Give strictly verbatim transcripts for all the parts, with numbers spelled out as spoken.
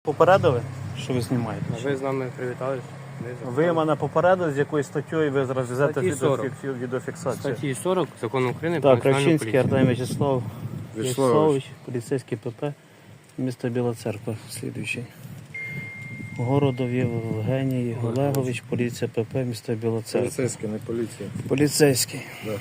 Попередили, що ви знімаєте? А ви з нами привітались? Ви мене попередили, з якою статтею ви зараз везете Статті сорок. відеофік- відеофіксацію. Статті сорок Закону України про Так, національну Кравчинський поліцію. Артем Вячеслав Вячеславович. Вячеславович, поліцейський ПП, місто Біла Церква, слідуючий. Городов Євгеній Олегович, поліція ПП, місто Біла Церква. Поліцейський, не поліція. Поліцейський. Да.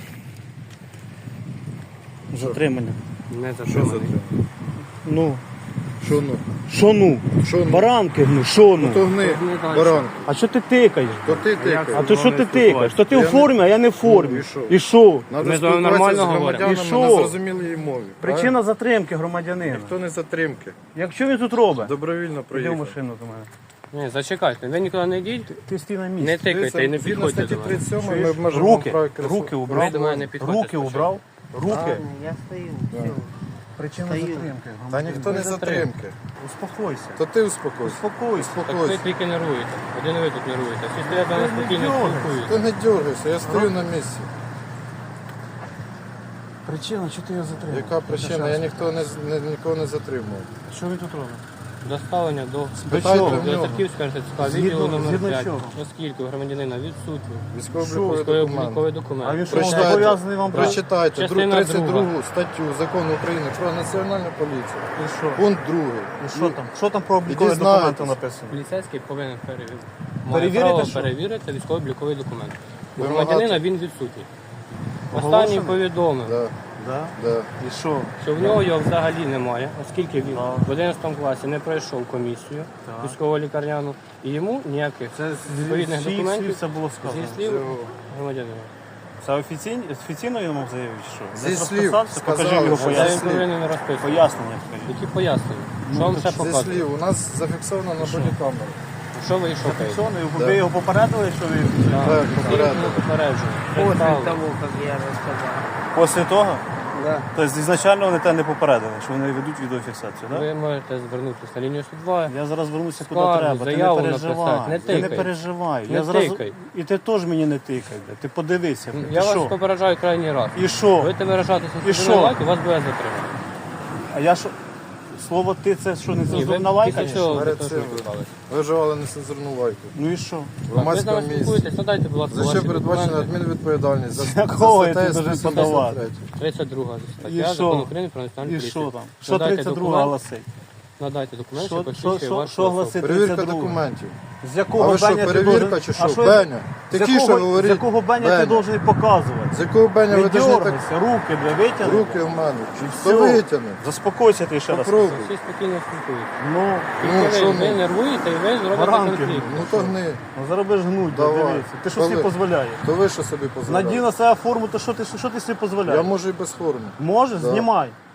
Затримання. Не Що за затриманий. три? Ну, Що ну? що ну? Що ну? Баранки, ну, що Ну то ну? гни, Гни дальше. баран. А що ти тикаєш? То ти А тикаєш. то що ти тикаєш? То ти Я у не- формі, а я не в формі. Ну, і що? І що? Надо Ми з вами спілкуватися нормально з говоримо. громадянами І що? на зрозумілій мові. Причина затримки громадянина. Хто не затримки? Якщо він тут робить, Добровільно іди в проїхав. машину до мене. Ні, зачекайте, ви нікуди не йдіть, Ти стій на не місці. тикайте і не Згідно підходьте статті до мене. тридцять сьомої ми Чуєш? обмежуємо Руки, право керосу. руки Ви убрав, до мене не підходьте руки спочатку. убрав, руки. Ладно, я стою. Все. Причина Стою. затримки. Та ніхто не затримки. Успокойся. То ти успокойся. Успокойся. Так ви Успокойся. тільки нервуєте. Один ви тут нервуєте. Всі стоять до нас Ти не спокійно дергайся. спілкуються. Ти не дергайся, я стою на місці. Причина, що ти його затримав? Яка причина? Я ніхто не, не, нікого не затримував. Що він тут робить? Доставлення до Спитайте чого? в до нього. Тарківського РТЦК, Згідно- відділу номер згідно п'ять, чого? оскільки у громадянина відсутні Військово-обліковий військовий документ. обліковий А він документ. що, Прочитайте, зобов'язаний вам брати? прочитайте друг- Частина тридцять другу друга. статтю Закону України про національну поліцію. І що? Пункт другий. І що там? Що там про облікові дізнаєтесь. документи написано? Поліцейський повинен перевірити. Має Перевірити право що? перевірити військово-обліковий документ. У Вимагати. громадянина він відсутній. Оголошений? Останній повідомив, Да, Да? да. І що? що в нього його взагалі немає, оскільки він Так. в одинадцятому класі не пройшов комісію Так. військово-лікарняну, і йому ніяких відповідних Зі слів документів це було зі сказано. слів громадянина. Це офіційно, офіційно йому заявив, чи що? Зі Десь слів розписався? Покажи сказали, його що Та він пояснення. слів. повинен розписувати. Пояснення скажіть. Які пояснення? Що вам ще Зі показує? слів, у нас зафіксовано на бодікамері. Що ви шукаєте? Зафіксовано, Да. ви його попередили, що ви Так, Всі попередили. ми попереджуємо. После Представили. того, как я рассказал. після того? Да. Тобто ізначально вони тебе не попередили, що вони ведуть відеофіксацію, так? Ви можете звернутися на лінію сто два. Я зараз вернуся куди Скаргу, треба, ти не заяву переживай. написати, не Ти не тикай. переживай. Не я зараз... тикай. І ти теж мені не тикай, бля. Ти подивися. Ти Я вас що? попереджаю крайній раз. І що? Будете виражатися І цензурною що? лайкою, вас буде затримано. А я що? Слово ти це що, не Ні, ви цензурна лайка? після цього Перед ви цим. спілкувалися. Ви вживали нецензурну лайку. Ну і що? В Так, ви з громадському нами місці. спілкуєтесь, надайте, будь ласка, За що ваші передбачена документи. адмінвідповідальність? За, За кого я статтею тут должен сто подавати? п'ятдесят три. тридцять друга І стаття що? Закону України про національну І поліцію. що там? Що Надайте тридцять друга документ, гласить? Надайте документ, Що- що що- посвідчує що- ваш що особу. гласить? Перевірка тридцять друга. документів. З якого А ви що, беня ти перевірка должен- чи А що? я- Беня? З Тихіше якого- говоріть. З якого беня ти Беня. должен показувати? З якого беня Не ви должны так дергайся, руки, бля, витягни. руки в мене? Чи Все. хто витягне? Заспокойся ти ще раз. Попробуй. Всі спокійно спілкуються. Ну, Ну, Ви, що ви ну? нервуєте і ви зробите Баранки. конфлікт. Ну то гни. ну зараз будеш гнуть, бля, Давай. дивися. Ти що Коли? собі дозволяєш? То ви що собі Надій дозволяєте? на себе форму, то що ти, що ти собі Я дозволяєш? можу і без форми. Можеш? Да. Знімай.